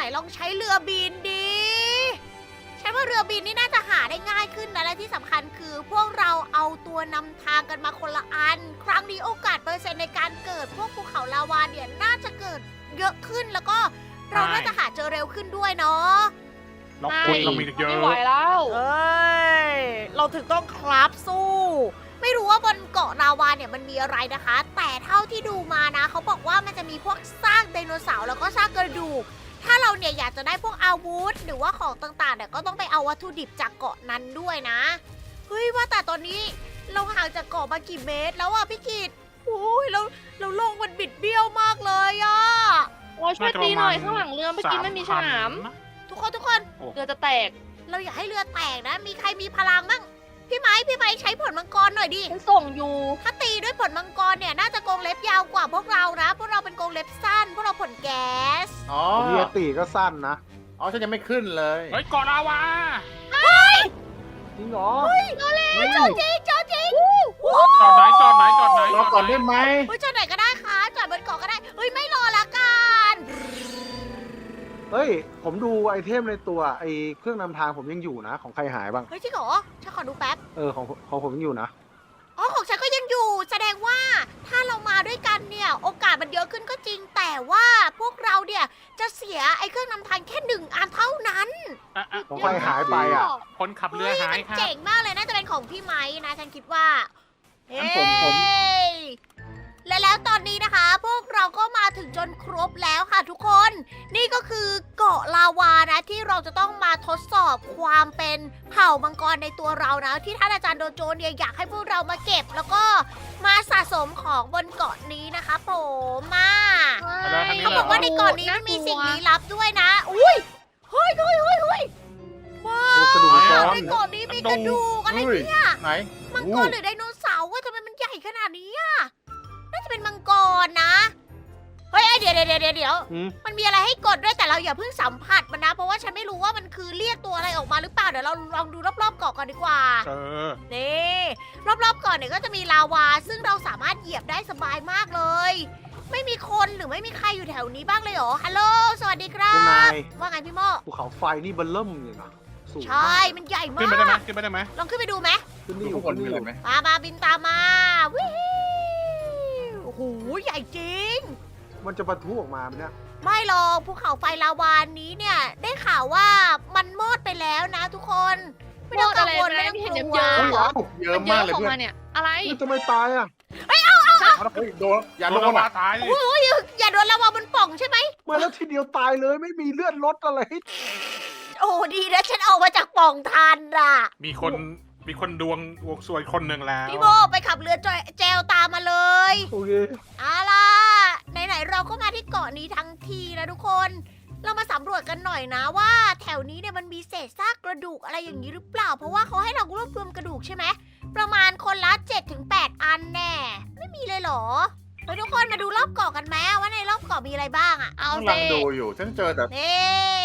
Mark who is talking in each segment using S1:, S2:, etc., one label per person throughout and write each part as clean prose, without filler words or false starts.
S1: ลองใช้เรือบินดีฉันว่าเรือบินนี่น่าจะหาได้ง่ายขึ้นนะและที่สำคัญคือพวกเราเอาตัวนำทางกันมาคนละอัน ครั้งนี้โอกาสเปอร์เซ็นต์ในการเกิดพวกภูเขาลาวาเนี่ยน่าจะเกิดเยอะขึ้นแล้วก็เราน่าจะหาเจอเร็วขึ้นด้วยเนาะ
S2: เราคนเรามีเยอะ
S3: ไม่ไหวแล้ว
S1: เอ้ยเราถึงต้องคราฟสู้ ไม่รู้ว่าบนเกาะลาวาเนี่ยมันมีอะไรนะคะ แต่เท่าที่ดูมานะเขาบอกว่ามันจะมีพวกซากไดโนเสาร์แล้วก็ซากกระดูก ถ้าเราเนี่ยอยากจะได้พวกอาวุธหรือว่าของต่างๆเนี่ยก็ต้องไปเอาวัตถุดิบจากเกาะนั้นด้วยนะ เฮ้ยว่าแต่ตอนนี้เราห่างจากเกาะมากี่เมตรแล้วอะพี่กิตโอ้ยเราลงมันบิดเบี้ยวมากเลยอะ
S3: โอ้ยช่วยตีหน่อยข้างหลังเรือเมื่อกี้ไม่มีฉลาม
S1: ทุกคน
S3: เรือจะแตก
S1: เราอยากให้เรือแตกนะ มีใครมีพลังบ้างพี่ไม้ใช้ผลมังกรหน่อยดิ
S3: ฉันส่งอยู่
S1: ถ้าตีด้วยผลมังกรเนี่ยน่าจะกรงเล็บยาวกว่าพวกเรานะ พวกเราเป็นกรงเล็บสั้น พวกเราผลแก๊ส
S4: อ๋อ
S5: ผมเรียตีก็สั้นนะ
S4: อ๋อฉันยังไม่ขึ้นเลย
S2: เฮ้ยเกาะลาวา
S5: จริงเหรอ
S4: เฮ้ย
S1: เจ้าจริง
S2: จอดไหนจอดไหนจอดไหน
S4: รอก่อนได้ไหม
S1: เฮ้ยจอดไหนก็ได้ค่ะจอดบนเกาะก็ได้ เฮ้ยไม่รอละกัน
S5: เฮ้ย ผมดูไอเทมในตัวไอเครื่องนำทางผมยังอยู่นะ ของใครหายบ้าง
S1: เฮ้ยจริงเหรอฉันขอดูแป๊บ
S5: ของผมยังอยู่นะ
S1: อ๋อของฉันก็ยังอยู่ แสดงว่าถ้าเรามาด้วยกันเนี่ยโอกาสมันเยอะขึ้นก็จริง แต่ว่าพวกเราเนี่ยจะเสียไอ้เครื่องนำทางแค่1 อันเท่านั้น
S5: ของใครหายไปอ่ะ
S2: คนขับเรือ
S1: เฮ้ย
S2: หาย
S1: มัน
S2: ครับ
S1: เจ๋งมากเลยน่าจะเป็นของพี่ไม้นะฉันคิดว่า
S4: งั้นผม
S1: เฮ้ยและแล้วตอนนี้นะคะ พวกเราก็มาถึงจนครบแล้วค่ะทุกคน นี่ก็คือเกาะลาวานะที่เราจะต้องมาทดสอบความเป็นเผ่ามังกรในตัวเรานะ ที่ท่านอาจารย์โดโจเนี่ยอยากให้พวกเรามาเก็บ แล้วก็มาสะสมของบนเกาะนี้นะคะผมมา เขาบอกว่าในเกาะนี้มันมีสิ่งลี้ลับด้วยนะ อุ้ยเฮ้ยว้า
S5: โอ้กระดูก
S1: ว
S5: มังกร
S1: ในเกาะนี้มีกระดูกอะไรเนี่ย
S4: ไหน
S1: มังกรหรือไดโนเสาร์ว่าทำไมมันใหญ่ขนาดนี้อ่ะ น่าจะเป็นมังกรนะ เฮ้ยเดี๋ยว
S5: อืม
S1: มันมีอะไรให้กดด้วยแต่เราอย่าเพิ่งสัมผัสมันนะ เพราะว่าฉันไม่รู้ว่ามันคือเรียกตัวอะไรออกมาหรือเปล่า เดี๋ยวเราลองดูรอบๆเกาะก่อนดีกว่า
S2: เออ
S1: นี่รอบๆเกาะเนี่ยก็จะมีลาวา ซึ่งเราสามารถเหยียบได้สบายมากเลย ไม่มีคนหรือไม่มีใครอยู่แถวนี้บ้างเลยเหรอ ฮัลโหล สวัสดีครั
S5: คุณนา
S1: บ
S5: ย
S1: ว่าไงพี่โม
S5: ภูเขาไฟนี่เบลเริ่มเลยนะสูง
S1: ใช่ มันใหญ่มา
S2: ขึ้นไปได้ไหม
S1: ก
S2: ขึ้นไปได้ไหม
S1: ลองขึ้นไปดูไหม
S5: ขึ้น
S4: ดู
S5: นี่อ
S4: ข้า
S5: ยู่
S4: งบ
S5: ขึ้
S4: น
S5: น
S4: มี
S5: นี่
S4: อะ
S5: อ
S4: ไร
S5: ยู่
S4: ไหม
S1: มาบินตามมาวิวโอ้โห ใหญ่จริง
S5: มันจะปะทุออกมาไหมเนี่ย
S1: ไม่หรอกภูเขาไฟลาวานี้เนี่ย ได้ข่าวว่ามันมอดไปแล้วนะทุกคน ไม่ต้องกังวล
S3: มอดอะไร
S1: ไม่ต้อง
S3: ไม่เห็น
S1: ก
S3: เยิ้
S1: ลั
S3: ม
S1: ว
S3: ๆ
S4: เยอะ
S3: มันเย
S4: มาก
S3: อะ
S4: เลย
S3: ของ
S4: เพื่อ
S3: มัน นเนี่ย อะไร
S5: มันจะไม่ตายอ่ะ
S4: เฮ้ยโดนอย่า
S2: โด
S4: ล
S2: น
S4: ง
S2: ลาวา
S4: อ่ะ
S2: ตายดิ
S1: อย่าโดนลาวาบนป่องใช่ไหม
S5: มาแล้วทีเดียวตายเลยไม่มีเลือดลดอะไรให้
S1: โอ้ดีนะฉันออกมาจากป่องทันอ่ะ
S2: มีคนดวงสวยคนหนึ่งแล้ว
S1: พี่โมไปขับเรือแจวตามมาเลย
S5: โอเค
S1: เอาล่ะไหนๆเราก็มาที่เกาะนี้ทั้งทีนะทุกคน เรามาสำรวจกันหน่อยนะว่า แถวนี้เนี่ยมันมีเศษซากกระดูกอะไรอย่างนี้หรือเปล่า เพราะว่าเขาให้เรารวบรวมกระดูกใช่ไหมประมาณคนละ 7-8 อันแน่ไม่มีเลยเหรอเฮ้ยทุกคนมาดูรอบเกาะกันไหมว่าในรอบเกาะมีอะไรบ้างอะ
S3: เอา
S4: กำลั
S3: สิ
S4: งดูอยู่ ฉันเจอแต่
S1: นี่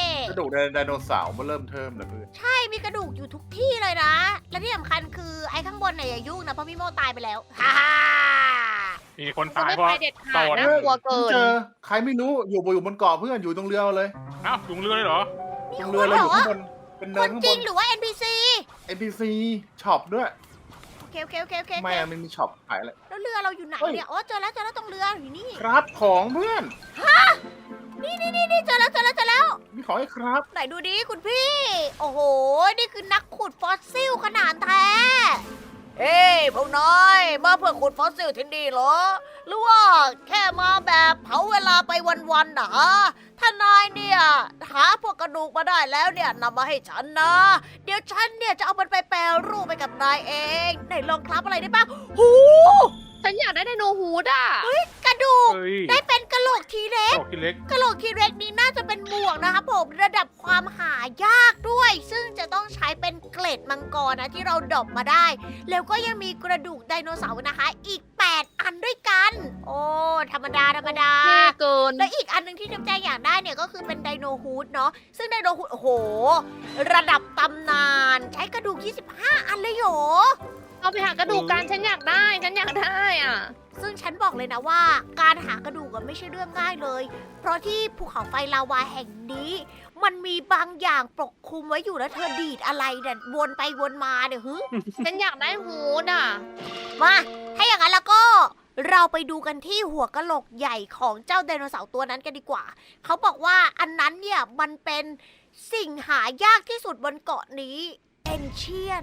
S4: กระดูกไดโนเสาร์มาเริ่มเทิมเลยเพื่อน
S1: ใช่มีกระดูกอยู่ทุกที่เลยนะ และที่สำคัญคือไอ้ข้างบนเนี่ยอย่ายุ่งนะเพราะพี่โมตายไปแล้วฮ่าฮ่า
S2: มีคน
S3: จะ
S2: ตาย
S3: ไม่
S2: เพราะ
S3: ไปเด็ด
S2: โด
S3: ขาด
S2: น
S3: น่ากลัวเกิน
S4: เจอใครไม่รู้อยู่บนเกาะเพื่อนอยู่ตรงเรือเลย
S2: เอ้าลุงเรือเลยเหรอ
S1: มี
S4: ตรง
S1: ค
S4: เรือน เลย
S1: เหร
S4: อยู่
S1: อ
S4: ข้างบนเป็น
S1: ค
S4: เนิน
S1: น
S4: ข้าง
S1: จ
S4: บ
S1: ริ
S4: น
S1: งหรือว่า NPC
S4: NPC ช็อปด้วย
S1: โอเค
S4: ไม่อะมันมีช็อปขายอะไร
S1: แล้วเรือเราอยู่ไหน
S4: เฮ้ย
S1: เนี่ยอ๋อเจอแล้วตรงเรืออยู่นี่
S4: ครับของเพื่อน
S1: นี่เจอแล้ว
S4: มีของให้ครับ
S1: ไหนดูดิคุณพี่ โอ้โห นี่คือนักขุดฟอสซิลขนาดแท้ เฮ้ยพวกน้อยมาเพื่อขุดฟอสซิลที่นี่เหรอ หรือว่าแค่มาแบบเผาเวลาไปวันๆนะถ้านายเนี่ยหาพวกกระดูกมาได้แล้วเนี่ยนำมาให้ฉันนะ เดี๋ยวฉันเนี่ยจะเอามันไปแปรรูปไปกับนายเองไหนลองคลับอะไรได้บ้างหู
S3: ฉันอยากได้ไดโนฮูดอ่ะ
S1: กระดูก
S2: เฮ้ย
S1: ได้เป็นกระโหลกทีเล็ก
S2: โอ้กินเล็ก
S1: กะโหลกทีเร็กนี้น่าจะเป็นหมวกนะคะผมระดับความหายากด้วย ซึ่งจะต้องใช้เป็นเกล็ดมังกรนะที่เราดรอปมาได้ แล้วก็ยังมีกระดูกไดโนเสาร์นะคะ อีก 8 อันด้วยกัน โอ้ธรรมดา
S3: เท่เกิน
S1: และอีกอันหนึ่งที่น้ำใจอยากได้เนี่ยก็คือเป็นไดโนฮูดเนาะซึ่งไดโนฮูดโอ้โห ระดับตำนานใช้กระดูก 25 อันเลยเหรอ
S3: เอาไปหากระดูกกันฉันอยากได้ ฉันอยากได้อ่ะ
S1: ซึ่งฉันบอกเลยนะว่าการหากระดูกอะไม่ใช่เรื่องง่ายเลย เพราะที่ภูเขาไฟลาวาแห่งนี้ มันมีบางอย่างปกคลุมไว้อยู่แล้วเธอดีดอะไรเนี่ยวนไปวนมาเนี่ยฮึ
S3: ฉันอยากได้ฮูดอ่ะ
S1: มาถ้าอย่างนั้นแล้วก็เราไปดูกันที่หัวกะโหลกใหญ่ของเจ้าไดโนเสาร์ตัวนั้นกันดีกว่า เขาบอกว่าอันนั้นเนี่ยมันเป็นสิ่งหายากที่สุดบนเกาะนี้เอนเชียน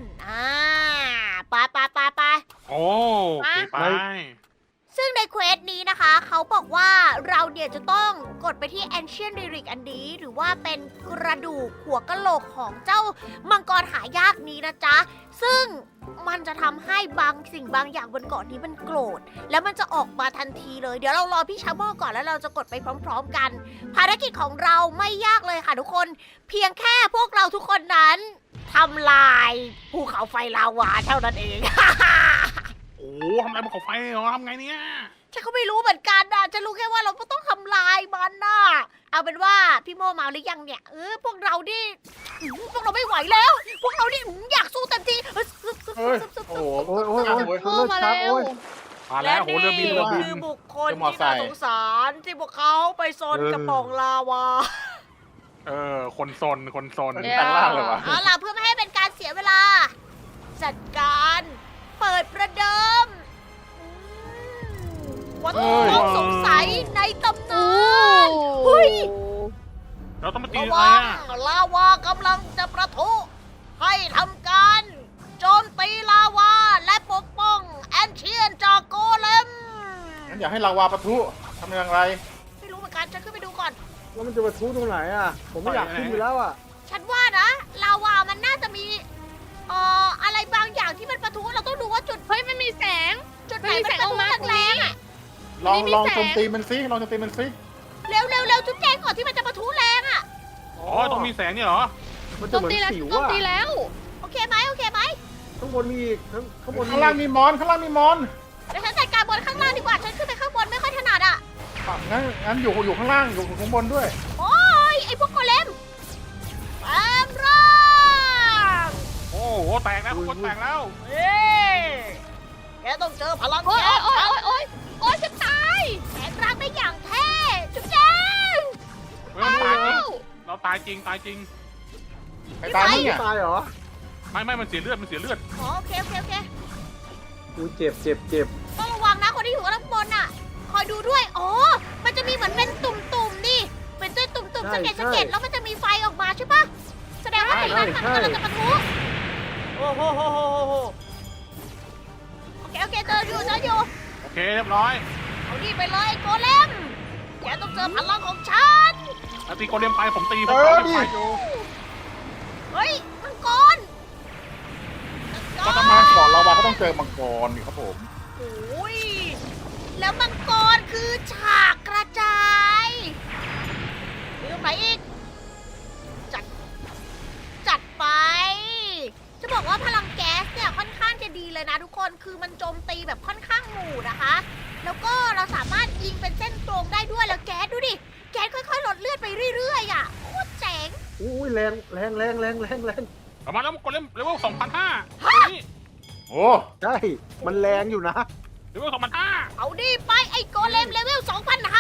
S1: ไป
S2: โอ้โอเคไป
S1: ซึ่งในเควสนี้นะคะ เขาบอกว่าเราเนี่ยจะต้องกดไปที่ Ancient Relic อันนี้ หรือว่าเป็นกระดูกหัวกะโหลกของเจ้ามังกรหายากนี้นะจ๊ะ ซึ่งมันจะทำให้บางสิ่งบางอย่างบนเกาะนี้มันโกรธ แล้วมันจะออกมาทันทีเลย เดี๋ยวเรารอพี่ชาโมก่อนแล้วเราจะกดไปพร้อมๆกัน ภารกิจของเราไม่ยากเลยค่ะทุกคน เพียงแค่พวกเราทุกคนนั้นทำลายภูเขาไฟลาวาเท่านั้นเอง
S2: โอ้ทำอะไรบนเขาไฟเหรอทำไงเนี่ย
S1: ฉันก็ไม่รู้เหมือนกันนะฉันรู้แค่ว่าเราก็ต้องทำลายมันนะเอาเป็นว่าพี่โมมาหรือยังเนี่ย พวกเราดิพวกเราไม่ไหวแล้ว พวกเราดิอยากสู้เต็มที่
S4: เฮ้ย โอ้โห
S5: โอ้ยโอ้ยโอ้ย
S3: โอ้มา
S5: ครับ
S3: แล้ว
S5: โอ้ย
S2: มาแล้วโหเรือบินเรือบิน
S1: คือบุคคล
S4: เรือมอ
S1: ที่
S4: ไซ
S1: น่า
S4: ค์
S1: สงสารที่พวกเขาไปซนกระป๋องลาวา
S2: คนซนคนซน
S3: เดี๋ยว
S4: แปลงร่างเลยวะ
S1: เอาล่ะเพื่อไม่ให้เป็นการเสียเวลา จัดการเปิดประเดิมวัตถุต้องสงสัยในตำนาน เฮ้ย
S2: เราต้องมาตี
S1: ระ
S2: อะไร
S1: วัง
S2: อ่ะ
S1: ลาวากำลังจะประทุ ให้ทำการโจมตีลาวาและปกป้องแอนเชียนจากโกเลม
S4: งั้นอยากให้ลาวาปะทุทำอย่างไร
S1: ไม่รู้เหมือนกันฉันขึ้นไปดูก่อน
S5: แล้วมันจะมาทุตรงไหนอ่ะ ผมไม่อยากขึ้นอยู่แล้วอ่ะ
S1: ฉันว่านะลาวามันน่าจะมีอะไรบางอย่างที่มันประทุเราต้องดูว่าจุด
S3: เฮ้ยมันมีแสง
S1: จุดไหน
S3: มันมี
S1: มัน
S3: แสง
S1: ประ
S3: ออ
S1: ทุ
S3: กมา
S1: แรงๆอ่ะ
S4: ลอง
S3: นี่มี
S4: ลอง
S3: แสง
S4: โจมตีมันซิลองโจมตีมันซิ
S1: เร็วจุดแจงก่อนที่มันจะประทุแรงอ่ะ
S2: อ๋อต้องมีแสงเนี่ยเหรอ
S5: มัน
S3: โจ
S5: จะ
S3: ม
S5: เหมือน
S3: ตีแล้ว
S5: สิว
S3: โจม
S5: อ่ะ
S3: ตีแล้ว
S1: โอเคไหม
S5: ข้างบนมีอีกข้างบน
S4: ข้างล่างมีมอน ข้างล่างมีมอน
S1: เดี๋ยวฉันจัดการบนข้างล่างดีกว่า ฉันขึ้นไปข้างบนไม่ค่อยถนัดอ่ะ
S4: งั้นอยู่ข้างล่าง อยู่ข้างบนด้วย
S1: โอ้ยไอพวกโกเลมแปลงร่าง
S2: โอ้โหแตกแล้วทุกคนแตกแล้ว
S1: เฮ้แกต้องเจอพลัง
S3: โอ๊ย
S1: แก๊ส
S3: โอ๊ยโอ๊ยโอ๊ยโอ๊ยฉันตาย
S1: แปลงร่างได้อย่างเท่จุ๊บแจง
S2: เฮ้ยมันตายจริงเราตายจริงตายจริง
S4: ไอ้ตายมึงเนี่ย
S5: ตายเหรอ
S2: ไม่มันเสียเลือดมันเสียเลือด
S1: อ๋อโอเค
S5: อุ้ยเจ็บเจ็บเจ็บ
S1: ต้องระวังนะคนที่อยู่ข้างบนอ่ะ คอยดูด้วย อ๋อ มันจะมีเหมือนเป็นตุ่มๆนี่ เป็นตัวตุ่มๆสะเก็ดแล้วมันจะมีไฟออกมาใช่ปะแสดงว่าตรงนั้นมันกำลังจะปะทุโอ้โหโอเคเจออยู่
S2: โอเคเรียบร้อย
S1: เอานี่ไปเลยโกเลม แกต้องเจอพลังของฉัน
S2: แล้วตีโกเลมไปผมตีผม
S4: เออ
S2: เอา
S4: ดิ
S2: ไปอยู่
S1: เฮ้ย มังกร
S4: ก็ต้องมาก่อนลาวาก็ต้องเจอมังกรนี่ครับผม
S1: โอ้ย แล้วมังกรคือฉากกระจายมีตรงไหนอีก จัดไป จะบอกว่าพลังแก๊สเนี่ยค่อนข้างจะดีเลยนะทุกคน คือมันโจมตีแบบค่อนข้างหมู่นะคะ แล้วก็เราสามารถยิงเป็นเส้นตรงได้ด้วย แล้วแก๊สดูดิ แก๊สค่อยๆลดเลือดไปเรื่อยๆอ่ะโคตรเจ๋ง
S5: อุ้ยแรงแรงแรงแรงแรงแรง
S2: ประมาณแล้วโกเลมเลเวล2,500นี่
S4: โอ้
S5: ใช่ มันแรงอยู่นะ
S2: เลเวล2,500
S1: เอาดิไปไอ้โกเลมเลเวล 2,500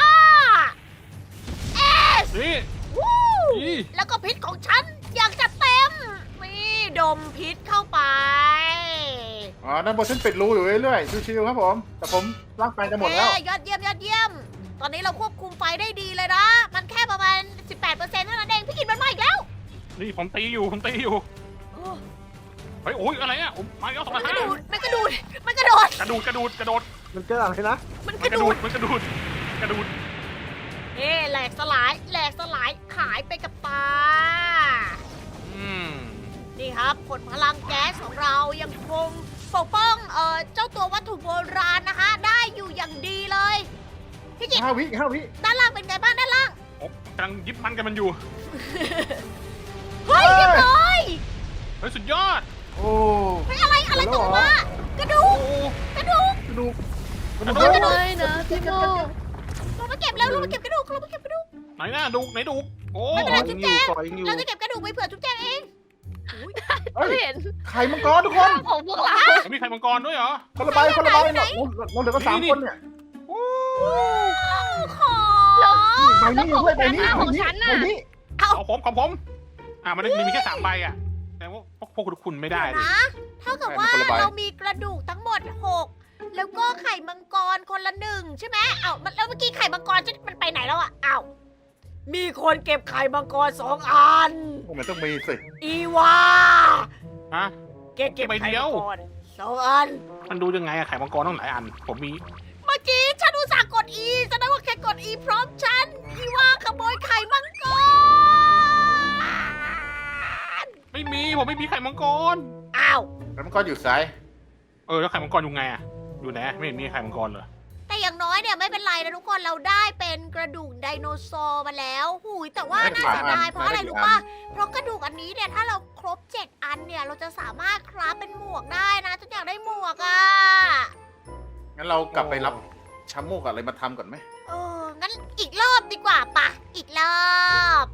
S1: เอส
S2: นี่
S1: วู้
S2: นี่
S1: แล้วก็พิษของฉันอยากจะเต็มนี่ดมพิษเข้าไป
S4: ด้านบนฉันปิดรูอยู่เรื่อยๆชิวๆครับผม แต่ผมร่างกายจะหมดแล้ว
S1: เอ้ยยอดเยี่ยม ตอนนี้เราควบคุมไฟได้ดีเลยนะ มันแค่ประมาณ 18%เท่านั้นเอง พี่กินมันมาอีกแล้ว
S2: นี่ผมตีอยู่เฮ้ยโอ้ยอะไรอ่ะผมมาแล้ว
S1: มันกระโดด
S2: 2,500
S1: มันกระโดด มันกระโดด
S2: กระดูด
S5: มันเกิดอะไรนะ
S1: มันก
S2: มัน
S1: ระ
S2: กระ
S1: โด
S2: ดู
S1: ด
S2: ดมันกระดูด
S1: เอ๊ะแหลกสลายหายไปกับตา
S2: อืม
S1: นี่ครับผลพลังแก๊สของเรายังคงปกป้องเจ้าตัววัตถุโบราณนะคะ ได้อยู่อย่างดีเลย พี่กิต
S4: 5 วิ
S1: ด้านล่างเป็นไงบ้างด้านล่าง
S2: ผมกำลังยิบมันกันมันอยู่
S1: เฮ้ยเรียบร้อย
S2: เฮ้ยสุดยอด
S4: โอ้
S1: เฮ้ยอะไรตกมากระดู
S2: โอ้
S1: กกระดูก
S4: กระดูก
S2: กระดูก
S3: ไม่นะพี่โม
S1: ลงมาเก็บแล้วลงมาเก็บกระดูกลงมาเก็บกระดูก
S2: ไหนดูกโอ้
S1: ไม่เป็นไร
S5: ยังอยู่ก่อยังอยู่
S1: เราจะเก็บกระดูกไปเผื่อจุ๊บแจงเอง
S4: เฮ้ย
S3: เห็น
S4: ไข่มังกรทุกคน
S3: ของพวกเรา
S2: มีไข่มังกรด้วยเหรอ
S4: คนละใบคนละใบเราเหลือกัน3 คนเนี่ย
S1: ขอ
S4: ใบนี้อยู่ด้วยใบนี้
S3: ของฉันน่ะ
S4: ใบนี้
S2: ของผมมันมีแค่3 ใบอ่ะแต่ว่าพวกคุณไม่ได้ดิ
S1: นะเท่ากับว่าเรามีกระดูกทั้งหมด 6 แล้วก็ไข่มังกรคนละ1ใช่ไหมแล้วเมื่อกี้ไข่มังกรมันไปไหนแล้วอ่ะมีคนเก็บไข่มังกร2 อัน
S4: มันต้องมีสิ
S1: อีวา
S2: ฮะ
S1: เก็บ
S2: ใบ
S1: ไข่
S2: เดียว
S1: มังกร2 อัน
S2: มันดูยังไงอะไข่มังกรต้องหลายอัน ผมมี
S1: เมื่อกี้ฉันอุตส่าห์กด E แสดงว่าแค่กด E พร้อมฉัน อีวาขโมยไข่มังกร
S2: ผมไม่มีไข่มังกร
S4: แล้วมันก็อยู่ซ้าย
S2: แล้วไข่มังกรอยู่ไงอะอยู่ไหนไม่เห็นมีไข่มังกรเลย
S1: แต่อย่างน้อยเนี่ยไม่เป็นไรนะทุกคนเราได้เป็นกระดูกไดโนเสาร์มาแล้วแต่ว่าน่าเสียดายเพราะอะไรรู้ป่ะเพราะกระดูกอันนี้เนี่ยถ้าเราครบ7 อันเนี่ยเราจะสามารถคราฟเป็นหมวกได้นะฉันอยากได้หมวกอ่ะ
S4: งั้นเรากลับไปรับชัมโมกอะไรมาทำก่อนไหม
S1: งั้นอีกรอบดีกว่าปะอีกรอบ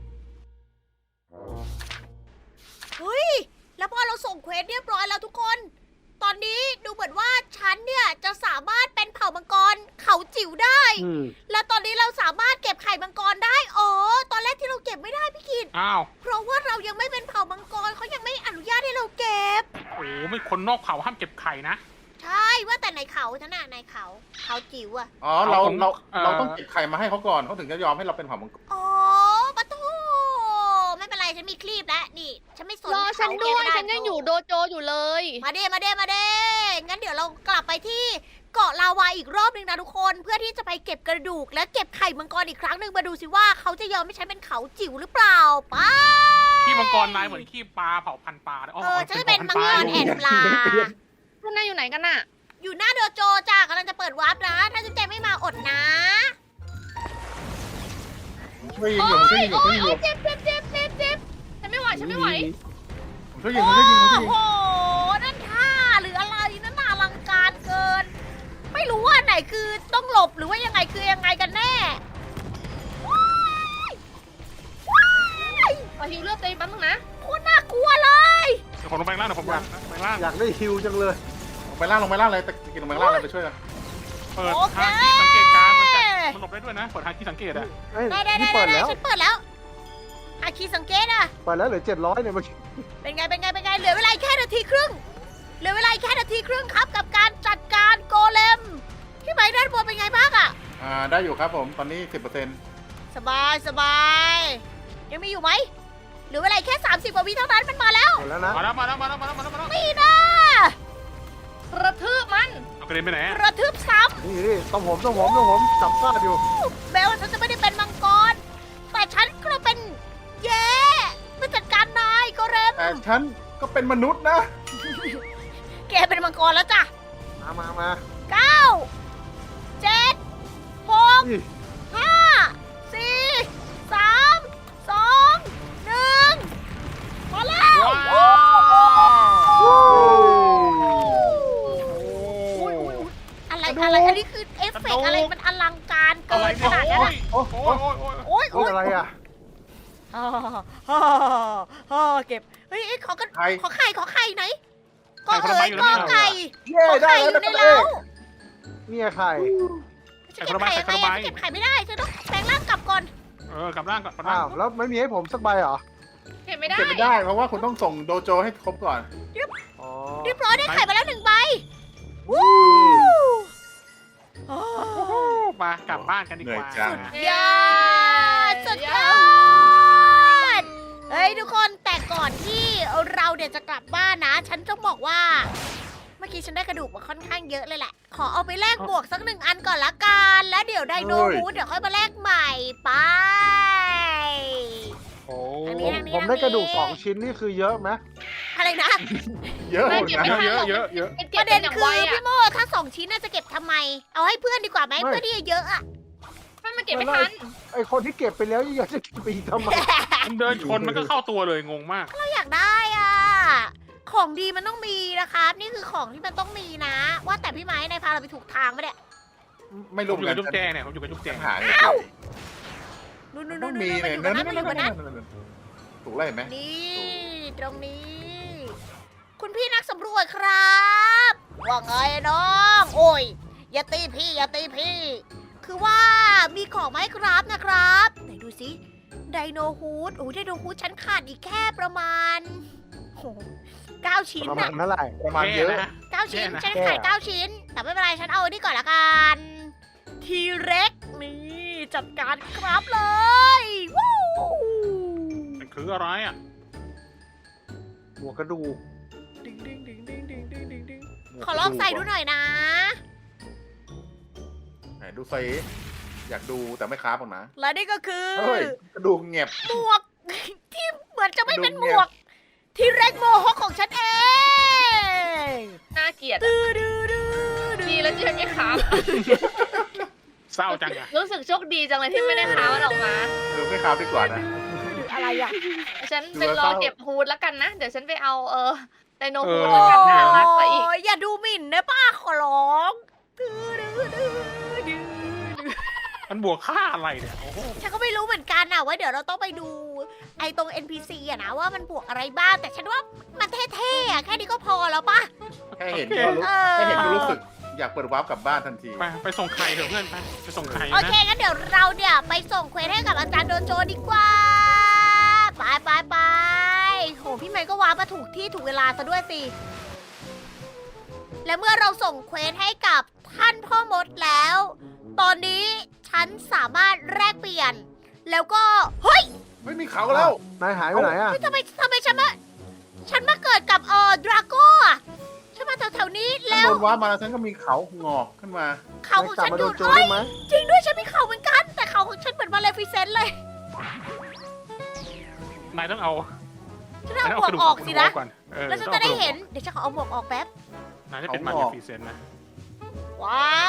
S1: เฮ้ยแล้วพอเราส่งเควสเรียบร้อยแล้วทุกคน ตอนนี้ดูเหมือนว่าฉันเนี่ยจะสามารถเป็นเผ่ามังกรเขาจิ๋วได้ และตอนนี้เราสามารถเก็บไข่มังกรได้ตอนแรกที่เราเก็บไม่ได้พี่กิต
S2: อ้าว
S1: เพราะว่าเรายังไม่เป็นเผ่ามังกรเขายังไม่อนุญาตให้เราเก็บ
S2: ไม่คนนอกเผ่าห้ามเก็บไข่นะ
S1: ใช่ว่าแต่ในเขาฉันน่ะในเขาจิ๋วอะ
S4: อ๋อเราต้องเก็บไข่มาให้เขาก่อนเขาถึงจะยอมให้เราเป็นเผ่ามังกร
S1: ปะทูไม่เป็นไรฉันมีคลีปแล้วนี่ฉันไม่สน
S3: รอฉัน
S1: เขา
S3: ด้
S1: เก็บ
S3: วย
S1: ไม่ได้
S3: ฉันยังอยู่โดโจอยู่เลย
S1: มาเด้งั้นเดี๋ยวเรากลับไปที่เกาะลาวาอีกรอบหนึ่งนะทุกคนเพื่อที่จะไปเก็บกระดูกและเก็บไข่มังกรอีกครั้งหนึ่งมาดูสิว่าเขาจะยอมให้ฉันเป็นเขาจิ๋วหรือเปล่าไป
S2: ขี้มังกรนายเหมือนขี้ปลาเผาพันธุ์ปลาเลย
S1: ฉันจะเป็นมังกรแอนปลา
S3: พวกนายอยู่ไหนกันน่ะ
S1: อยู่หน้าโดโจจ้ากำลังจะเปิดวาร์ปนะ ถ้าจุ๊บแจงไม่มาอดนะ
S4: ช่วยยิง
S3: โอ้
S4: อยู่ผมช่วยยิงอยู่
S3: ยเจ็บฉันไม่ไหวฉันไม่ไหว
S4: ผมช่วยยิงผมช่วยยิงผมช่วยยิง
S1: โอ้โห นั่นท่าหรืออะไรนั่นน่าอลังการเกิน ไม่รู้ว่าไหนคือต้องหลบหรือว่ายังไงคือยังไงกันแน่ว้ายว้าย
S3: ขอฮิวเลือดตัวเองแป๊บนึงนะ
S1: โคตรน่ากลัวเลย
S2: เดี๋ยวผมลงไปล่างเดี๋ยวผมลงไปล่าง
S5: อยากได้ฮิวจังเลย
S4: ลงไปล่างเลยตะกินลงไปล่างเลยไปช่วยกัน
S2: เปิดทางที่สังเกตการมันหลบได้ด้วยนะเปิดทางที่สังเกตอะ
S5: เอ้ย
S1: ได้
S5: นี่เปิดแล้ว
S1: ฉันเปิดแล้วอาคีสังเกตอะ
S5: เปิดแล้วเหลือ700เนี่ยเมื่อกี้
S1: เป็นไง เหลือเวลาอีกแค่นาทีครึ่ง เหลือเวลาอีกแค่นาทีครึ่งครับกับการจัดการโกเลม พี่ไม้ด้านบนเป็นไงบ้างอะ
S4: ได้อยู่ครับผมตอนนี้ 10%
S1: สบาย ยังมีอยู่ไหมเหลือเวลาอีกแค่30กว่าวิเท่านั้นมันมาแล้ว
S5: หมดแล้วนะ
S2: มาแล้ว
S1: นี่นะ
S3: กระทืบมัน
S2: เอากระเด็นไปไหน
S1: กระทืบซ้
S5: นี่ต้องผมจับฟาดอยู่
S1: ำแม้ว่าฉันจะไม่ได้เป็นมังกร แต่ฉันก็เป็นเย่ผู้จัดการนายโกเลม
S4: แต่ฉันก็เป็นมนุษย์นะ
S1: แกเป็นมังกรแล้วจ้ะ
S5: มา
S1: 9 7 6
S5: นี่
S1: 5 4 3 2 1 มาแล้ว
S2: ว้าว
S1: อะไร อันนี้คือเอฟเฟกต์อะไรมันอลังการเกิ
S2: อะไร
S1: นข
S2: เนี่ย
S1: นาดนั้นอะ
S2: โอ้ย
S1: โอ้ย
S5: โอ้ยอะไรอ่ะ
S1: เก็บ เฮ้ยขอกัน
S4: ใคร
S1: ขอไข่ไหนก็
S2: ไข่คนละใบ
S1: เอ๋ย
S2: อยู่
S1: ก็
S2: แล้ว
S1: ไก่
S5: เย้
S1: ขอ
S5: ได้
S1: ไข่อ
S5: แล้ว
S1: ยู่ใน
S5: นะ
S1: เล้า
S5: เนี่ยไข่
S1: จะเก็บไข่ยังไงอะจะเก็บไข่ไม่ได้ฉันต้องแปลงร่างกลับก่อน
S2: กลับร่างก่อน
S5: อ้าวแล้วไม่มีให้ผมสักใบเหรอ
S3: เก็บไม่ได้
S4: เก็บไม่ได้เพราะว่าคุณต้องส่งโดโจให้ครบก่อน
S5: อ๋อ
S1: เรียบร้อยได้ไข่มาแล้ว1 ใบ
S5: นี่
S2: มากลับบ้านกันดีกว่า
S1: ยอดสุดยอดเฮ้ยทุกคนแต่ก่อนที่เราเนี่ยจะกลับบ้านนะ ฉันต้องบอกว่า เมื่อกี้ฉันได้กระดูกมาค่อนข้างเยอะเลยแหละ ขอเอาไปแลกบวกสัก1 อันก่อนละกัน แล้วเดี๋ยวไดโนวูดเดี๋ยวค่อยมาแลกใหม่ไป
S2: โอ้
S1: อันนี้
S5: ผมได้กระดูก2 ชิ้นนี่คือเยอะไหม
S1: อะไรนะ
S4: เยอะ
S3: ไม่
S4: หมด
S3: เก็บ
S4: นะ
S3: ไม่ทันหรอก
S2: เยอะ
S3: มัน
S1: ป
S3: เก็บ
S1: ระ
S3: เป็
S1: เด็
S3: น
S1: น
S3: อย่าง
S1: คือ
S3: ไว
S1: พี่
S3: อ่ะ
S1: โมถ้า2 ชิ้นน่าจะเก็บทำไม เอาให้เพื่อนดีกว่าไหมเพื่อนที่เยอะๆอะ
S3: มันเก็บไม่ทัน
S5: ไอคนที่เก็บไปแล้วยังอยากจะเก็บไปอีกทำไม
S2: มันเดินชนมันก็เข้าตัวเลยงงมาก
S1: เราอยากได้อ่ะ ของดีมันต้องมีนะครับ นี่คือของที่มันต้องมีนะ ว่าแต่พี่ไม้นายพาเราไปถูกทางปะเนี่ย
S4: ไม่
S2: ผ
S4: รู้
S2: ม
S4: เห
S2: อ
S4: มื
S2: ยู่
S4: อน
S2: กับ
S4: กัน
S2: จุ๊บแจงเนี่ยผมอยู่กับจุ๊บแจง
S4: หา
S1: นู่น
S4: ต้อง
S1: ๆๆๆ
S4: มี
S1: ๆมันอยู่บนนั้นมันอยู่บนนั้น
S4: ถูกไล่ไหม
S1: นี่ตรงนี้คุณพี่นักสำรวจครับว่าไงน้องโอ้ยอย่าตีพี่อย่าตีพี่ คือว่ามีของไหมครับนะครับไหนดูสิไดโนฮูดโอ้ไดโนฮูดฉันขาดอีกแค่ประมาณโอ้9 ชิ้น
S5: ประมา
S1: อะ
S5: ณเท่าไหร่
S4: ประมาณเยอะ
S2: แนะ
S1: 9 ชิ้น
S2: แย่นะ
S1: ฉันขาย9 ชิ้น แต่ไม่เป็นไรฉันเอาอันนี้ก่อนละกันทีเร็กนี่จัดการครับเลยวู้
S2: มันคืออะไรอ่ะ
S5: หัวกระดูก
S1: ดึงดึงดึงดึงดึงดึงดึงดึง
S5: หัว
S1: ขอลองใส่ดูหน่อยนะ
S4: ไหนดูใส่อยากดูแต่ไม่ค้าบหรอกนะ
S1: และนี่ก็คือ
S4: เฮ้ยกระดูกเงียบ
S1: หมวก ที่เหมือนจะไม่เป็นหม
S4: ดูเนี่
S1: วย ก ที่เร็กโมฮอคของฉันเอง
S3: น่าเกลียด
S1: ดื้อดื้อดื้อดื้อ
S3: ดีแล้วที่ฉันไม่ค้า
S2: เศร้าจังอ่ะ
S3: รู้สึกโชคดีจังเลยที่ไม่ได้ค้ามันออกมา
S4: ไม่ค้าบดีกว่านะ
S1: อะไรอ่ะ
S3: ฉันไปรอเก็บฮูดแล้วกันนะ เดี๋ยวฉันไปเอาไดโนฮูด
S2: เอ
S3: แล้ว
S2: อ
S3: กันน่ารักกว่าอีก
S1: โอ้ยอย่าดูหมิ่นนะป้าขอร้องดื้อดื้อดื้อดื้อ
S2: มันบวกค่าอะไรเนี่ยโอ้โห
S1: ฉันก็ไม่รู้เหมือนกันนะว่าเดี๋ยวเราต้องไปดูไอ้ตรง NPC อะนะว่ามันบวกอะไรบ้าง แต่ฉันว่ามันเท่ๆอะแค่นี้ก็พอแล้วปะ
S4: แค่เห็นก็รู้
S1: เออ
S4: แค่เห็นก็รู้สึก อยากเปิดวาร์ปกลับบ้านทันที
S2: ไปส่งไข่เถอะเพื่อนไปส่งไข่
S1: โอ
S2: นะ
S1: เคงั้นเดี๋ยวเราเนี่ยไปส่งเควสให้กับอาจารย์โดนโจดีกว่า ไปไปไปโหพี่ไมค์ก็วางมาถูกที่ถูกเวลาซะด้วยสิ และเมื่อเราส่งเควสให้กับท่านพ่อมดแล้ว ตอนนี้ฉันสามารถแลกเปลี่ยน แล้วก็เฮ้ย
S4: ไม่มีเขาแล้ว
S5: นายหายไปไหนอ่ะ
S1: เฮ้ยทำไมฉันมาเกิดกับดราโก้อะฉันมาแถวๆนี้
S4: ฉัน
S1: แล้ว
S4: โดนวาร์ปมาแล้วฉันก็มีเขางอกขึ้นมา
S1: เขา
S5: นา
S1: ข
S5: ย
S1: อง
S5: กลับ
S1: ฉัน
S5: มา
S1: อ
S5: โด
S1: ยู่
S5: นโจร
S1: เฮ้
S5: ได้
S1: ย
S5: ไหม
S1: จริงด้วยฉันมีเขาเหมือนกัน แต่เขาของฉันเหมือนมาเลฟิเซนต์เลย
S2: นายต้องเอา
S1: ฉันเอา
S2: นาย
S1: หมวกออกสินะ
S2: ก่อนเออ
S1: แล้วฉันจะได้เห็น เดี๋ยวฉันขอเอาหมวกออกแป๊บ
S2: นายจะเป็นมา
S4: เอา
S2: เนี
S4: ออก
S2: ฟรีเซนต์นะ
S1: ว้าว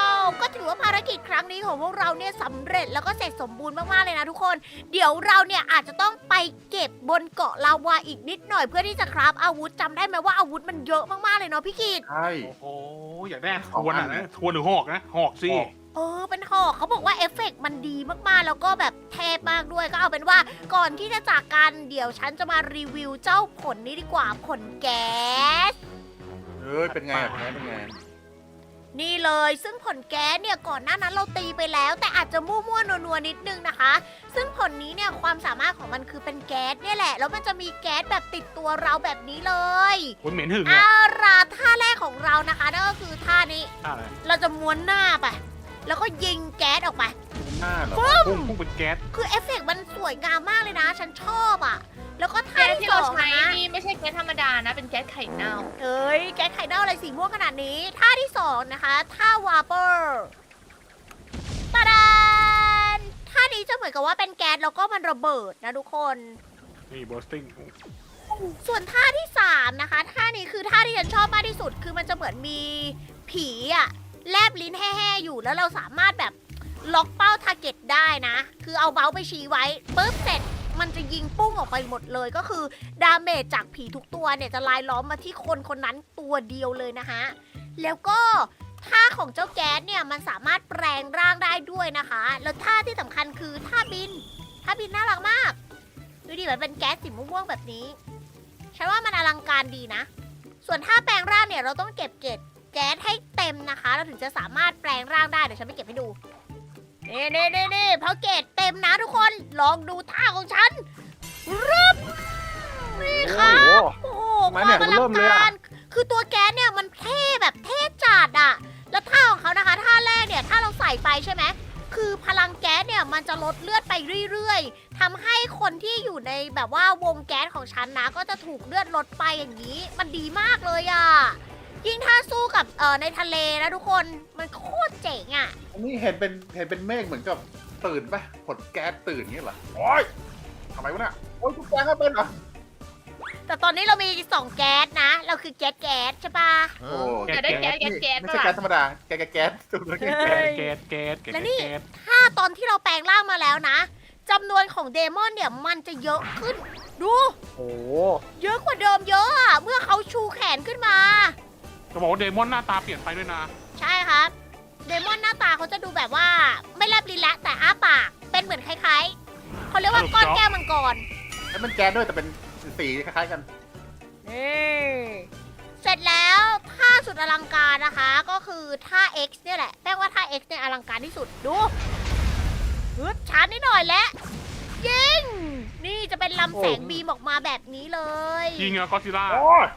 S1: ก็ถือว่าภารกิจครั้งนี้ของพวกเราเนี่ยสำเร็จแล้วก็เสร็จสมบูรณ์มากๆเลยนะทุกคน เดี๋ยวเราเนี่ยอาจจะต้องไปเก็บบนเกาะลาวาอีกนิดหน่อยเพื่อที่จะคราฟอาวุธจำได้ไหมว่าอาวุธมันเยอะมากๆเลยเนาะพี่กิต
S4: ใช่
S2: โอ้โหอยากได้ทวนอ่ะนะทวนหรือหอกนะหอกสิ
S4: หอก
S1: เป็นหอกเขาบอกว่าเอฟเฟกต์มันดีมากๆ แล้วก็แบบเทพมากด้วย ก็เอาเป็นว่าก่อนที่จะจากกันเดี๋ยวฉันจะมารีวิวเจ้าผลนี้ดีกว่าผลแก๊ส
S4: เฮ้ยเป็นไงอะเป็นไง
S1: นี่เลยซึ่งผลแก๊สเนี่ยก่อนหน้านั้นเราตีไปแล้ว แต่อาจจะมั่วๆนัวๆนิดนึงนะคะ ซึ่งผลนี้เนี่ยความสามารถของมันคือเป็นแก๊สเนี่ยแหละแล้วมันจะมีแก๊สแบบติดตัวเราแบบนี้เลย
S2: คุณเหม็นหึง
S1: เอา
S2: อ่ะ
S1: ล่ะท่าแรกของเรานะคะนั่นก็คือท่านี้
S2: อะไร
S1: เราจะม้วนหน้าไปแล้วก็ยิงแก๊สออกไป
S4: หน้าเหรอ
S2: พุ่งเป็นแก๊ส
S1: คือเอฟเฟกต์มันสวยงามมากเลยนะ ฉันชอบอ่ะ แล้วก็ท่า
S3: แก๊ส
S1: ที่
S3: ที่
S1: ส
S3: เรา
S1: อง
S3: ใช้
S1: นะ
S3: นี่ไม่ใช่แก๊สธรรมดานะ เป็นแก๊สไข่เน่า
S1: เอ้ยแก๊สไข่เน่าอะไรสีม่วงขนาดนี้ ท่าที่สองนะคะท่าวาเปอร์ตาดานท่านี้จะเหมือนกับว่าเป็นแก๊สแล้วก็มันระเบิดนะทุกคน
S2: นี่บอสติ้ง
S1: ส่วนท่าที่สามนะคะท่านี้คือท่าที่ฉันชอบมากที่สุด คือมันจะเหมือนมีผีอะแลบลิ้นแห่ๆอยู่แล้วเราสามารถแบบล็อกเป้าทาร์เก็ตได้นะ คือเอาเมาส์ไปชี้ไว้ปุ๊บเสร็จมันจะยิงปุ้งออกไปหมดเลย ก็คือดาเมจจากผีทุกตัวเนี่ยจะลายล้อมมาที่คนคนนั้นตัวเดียวเลยนะฮะ แล้วก็ท่าของเจ้าแก๊สเนี่ยมันสามารถแปลงร่างได้ด้วยนะคะ แล้วท่าที่สำคัญคือท่าบินน่ารักมากดูดิมันเป็นแก๊สสีม่วงๆแบบนี้ ฉันว่ามันอลังการดีนะ ส่วนท่าแปลงร่างเนี่ยเราต้องเก็บเกล็ดแก๊สให้เต็มนะคะ เราถึงจะสามารถแปลงร่างได้ เดี๋ยวฉันไปเก็บให้ดู นี่พอเกล็ดเต็มนะทุกคน ลองดูท่าของฉันรึบนี่ค่ะ
S5: โอ้โห
S1: โอ้โหความอลังการ คือตัวแก๊สเนี่ยมันเท่แบบเท่จัดอะแล้วท่าของเขานะคะ ท่าแรกเนี่ยถ้าเราใส่ไปใช่ไหม คือพลังแก๊สเนี่ยมันจะลดเลือดไปเรื่อยๆทำให้คนที่อยู่ในแบบว่าวงแก๊สของฉันนะ ก็จะถูกเลือดลดไปอย่างนี้ มันดีมากเลยอะยิ่งถ้าสู้กับในทะเลนะทุกคน มันโคตรเจ๋งอะ
S4: อันนี้เห็นเป็นเมฆเหมือนกับตื่นปะผลแก๊สตื่นเงี้ยเหรอโอ้ยทำไมวะเนี่ยโอ้ยทุกแก๊สก็เป็นเหรอ
S1: แต่ตอนนี้เรามี2แก๊สนะ เราคือแก๊สใช่ปะ
S4: โอ้
S3: จะได้แก๊ส
S4: ไม่ใช่แก๊สธรรมดาแก๊สตัวนี้
S2: แก๊สแก๊สแก๊ส
S1: และนี่ ถ้าตอนที่เราแปลงร่างมาแล้วนะจำนวนของเดมอนเนี่ยมันจะเยอะขึ้น ดู
S5: โอ้โห
S1: เยอะกว่าเดิมเยอะอะเมื่อเขาชูแขนขึ้นมา
S2: จะบอกว่าเดมอนหน้าตาเปลี่ยนไปด้วยนะ
S1: ใช่ครับ เดมอนหน้าตาเขาจะดูแบบว่าไม่แลบลิ้นและแต่อ้าปาก เป็นเหมือนคล้ายๆเขาเรียกว่าก้อนแก้วมังกร
S4: แล้วมันแก๊สด้วยแต่เป็นสีคล้ายๆกัน
S1: นี่เสร็จแล้วท่าสุดอลังการนะคะ ก็คือท่า X เนี่ยแหละแป้งว่าท่า X เนี่ยอลังการที่สุดดูฮึดช้านิดหน่อยและยิงนี่จะเป็นลำแสงบีมออกมาแบบนี้เลย
S2: ยิงอะก็ซิล่า
S4: โอ้ย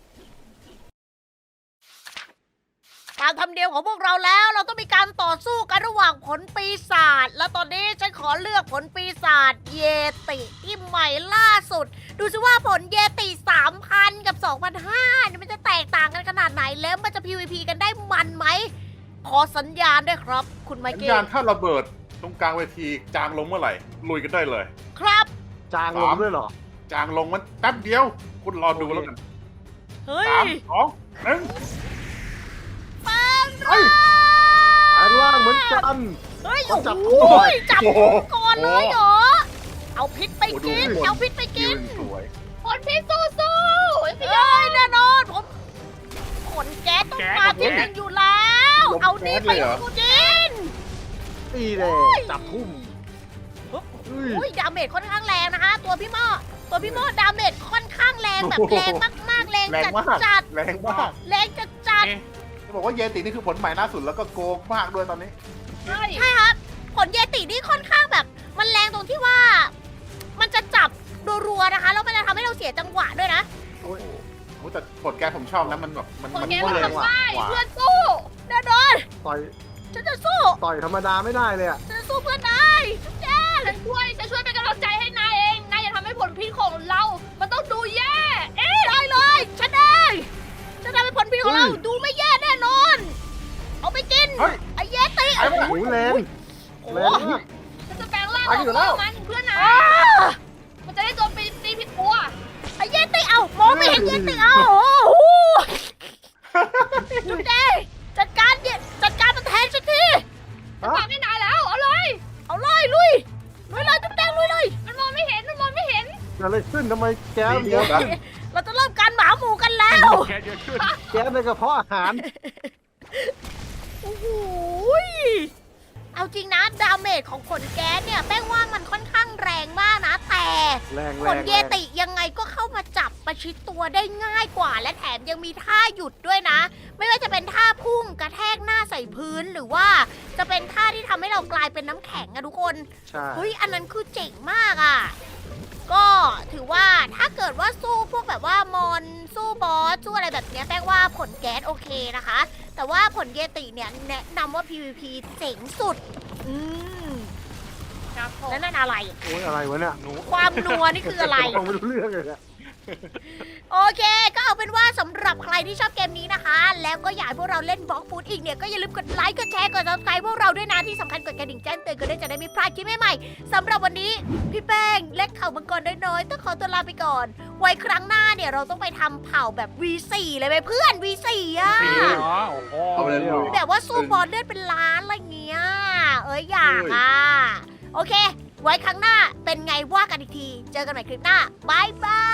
S1: ตามธรรมเนียมของพวกเราแล้วเราต้องมีการต่อสู้กันระหว่างผลปีศาจแล้วตอนนี้ฉันขอเลือกผลปีศาจเยติที่ใหม่ล่าสุด ดูสิว่าผลเยติ 3,000 กับ 2,500เนี่ยมันจะแตกต่างกันขนาดไหนแล้วมันจะ PVP กันได้มันไหมขอสัญญาณด้วยครับ คุณไม
S4: สัญ
S1: เคิล
S4: ญาณถ้าระเบิดตรงกลางเวทีจางลงเมื่อไหร่ลุยกันได้เลย
S1: ครับ
S5: จางลงด้วยเหรอ
S4: จางลงมันแป๊บเดียว คุณรอดูแล้วกัน
S1: เฮ้ย
S4: 3 2 1
S1: แป้ง
S4: เฮ้ย
S5: แปลงร่างเหมือนกัน
S1: เฮ้ย
S5: ขอ
S1: โอ้
S5: จับ
S1: โห
S5: หน่อย
S1: จับ
S4: โอ้โห
S1: ก่อนเลยเหรอเอาพิษไปกิน
S4: โอ้โหดู
S1: เอาพิษไปกิ
S4: ยื
S1: น
S4: นสวย
S3: คนพี่สู้ๆพี่
S1: เอ้ยแน่นอนผมขนแก๊สต้องมาที่หนึ่งอยู่แล้ว เอานี่ไปกิน
S5: ตีเลยจับทุ่มเฮ้ย
S1: อุ้ยดาเมจค่อนข้างแรงนะคะ ตัวพี่หม้อดาเมจค่อนข้างแรงแบบแรงมากๆแรง
S4: แรง
S1: จัด
S4: มาก
S1: จัด
S4: แรงมาก
S1: แรงจัดจัด
S2: เอ๊ะ
S4: จะบอกว่าเยตินี่คือผลใหม่ล่าสุดแล้วก็โกงมากด้วยตอนนี้
S3: ใช่
S1: ใช่ครับ ผลเยตินี่ค่อนข้างแบบ มันแรงตรงที่ว่า มันจะจับรัวๆนะคะแล้วมันจะทำให้เราเสียจังหวะด้วยนะ
S4: โอ้โหแต่ผลแกผมชอบนะมันแบบมัน
S3: คน
S4: มัน
S3: แก
S4: แร
S3: มัน
S4: งกว่า
S3: ทำได้
S4: กว่า
S3: เพื่อนสู้
S1: แน่นอน
S5: ต่อย
S1: ฉันจะสู้
S5: ต่อยธรรมดาไม่ได้เลยอ่ะ
S1: ฉันจะสู้เพื่อนได้จุ๊บแจ๊ด
S3: ฉันช่วยเป็นกำลังใจให้นายเองนายอย่าทำให้ผลพิษของเรา มันต้องดูแย่
S1: ได้เลยฉันเองจะทำให้ผลพิษของเรา
S5: เฮ้ย
S1: ดูไม่แย่แน่นอน เอาไปกิน
S4: เฮ้ย
S1: ไอ้เยติ
S4: ไอ้มัน
S5: โอ้โหแรง
S1: โอ้
S5: แร
S1: โห
S5: งมาก
S3: ฉันจะแปลงร่าง
S4: ไปอยู่แล้ว
S3: มันเพื่อนนะ
S1: อ้า
S3: มันจะได้โจมตีผิดตัว
S1: ไอ้เยติเอามองไม่เห็นเยติเอาโอ้โหจุ๊บแจ๊ดจัดการมันแทนฉันที
S3: ฉันบอกให้นายแล้วเอาเลย
S1: เอาเลยลุยเลยจุ๊บแจ๊ดลุยเลย
S3: มันมองไม่เห็น
S5: เกิดอะไรขึ้นทำไมแก๊ส
S4: ดี
S5: เยอะ
S4: นะ
S1: เราจะเริ่มการหมาหมูกันแล้ว
S2: แค่เยอะขึ้น
S5: แก๊สในกระเพาะอาหาร
S1: โอ้โหยเอาจริงนะดาเมจของผลแก๊สเนี่ยแป้งว่ามันค่อนข้างแรงมากนะ แต่
S5: แรง
S1: ผ
S5: แร
S1: ล
S5: ง
S1: เยติยังไงก็เข้ามาจับประชิดตัวได้ง่ายกว่า และแถมยังมีท่าหยุดด้วยนะ ไม่ว่าจะเป็นท่าพุ่งกระแทกหน้าใส่พื้นหรือว่าจะเป็นท่าที่ทำให้เรากลายเป็นน้ำแข็งอะทุกคน
S5: ใช่
S1: เฮ้ย อันนั้นคือเจ๋งมากอะ่ะ ก็ถือว่าถ้าเกิดว่าสู้พวกแบบว่ามอนสู้บอสสู้อะไรแบบเนี้ยแป้งว่าผลแก๊สโอเคนะคะ แต่ว่าผลเยติเนี่ยแนะนำว่า PVP เจ๋งสุด อืม
S3: ครับผม
S1: แล้วนั่นอะไร
S5: โอ้ยอะไรวะเนี่ย
S2: หนู
S1: ความนัวนี่คืออะไร
S5: ฟังไม่รู้เรื่องเลยอะ
S1: โอเค ก็เอาเป็นว่าสำหรับใครที่ชอบเกมนี้นะคะ แล้วก็อยากให้พวกเราเล่นบล็อกฟูดอีกเนี่ย ก็อย่าลืมกดไลค์ กดแชร์ กด subscribe พวกเราด้วยนะ ที่สำคัญกดกระดิ่งแจ้งเตือนกันด้วยจะได้ไม่พลาดคลิปใหม่ๆสำหรับวันนี้ พี่แป้งเล็กเข่ามังกรน้อยๆต้องขอตัวลาไปก่อน ไว้ครั้งหน้าเนี่ยเราต้องไปทำเผ่าแบบ V4 เลยไหมเพื่อน V4 อ่ะ
S2: สีเหรอโอ้โห
S4: เอาไปเลยลุย
S1: แบบว่าสู้บอลเลือดเป็นล้านอะไรเงี้ย เอ้ยอยากอ่ะ โอเค ไว้ครั้งหน้าเป็นไงว่ากันอีกที เจอกันใหม่คลิปหน้าบายบาย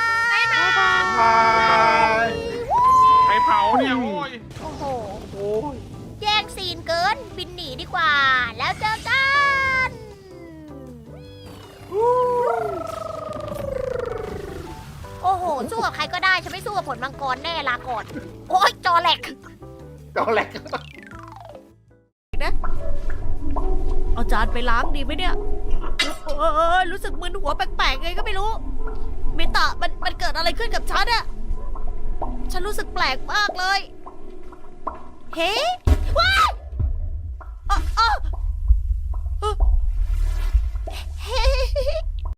S4: บาย
S2: ใครเผาเนี่ยโอ้ย
S1: โอ้โห
S4: โอ้ย
S1: แย่งซีนเกิน บินหนีดีกว่า แล้วเจอกัน โอ้โห สู้กับใครก็ได้ ฉันไม่สู้กับผลมังกรแน่ลาก่อน โอ๊ย จอแหลก
S4: เจ้าแหลก
S1: เอาจานไปล้างดีไหมเนี่ยรู้สึกมึนหัวแปลกๆไงก็ไม่รู้เมตะมันเกิดอะไรขึ้นกับฉันอะฉันรู้สึกแปลกมากเลย เฮ้ว้ายเฮ้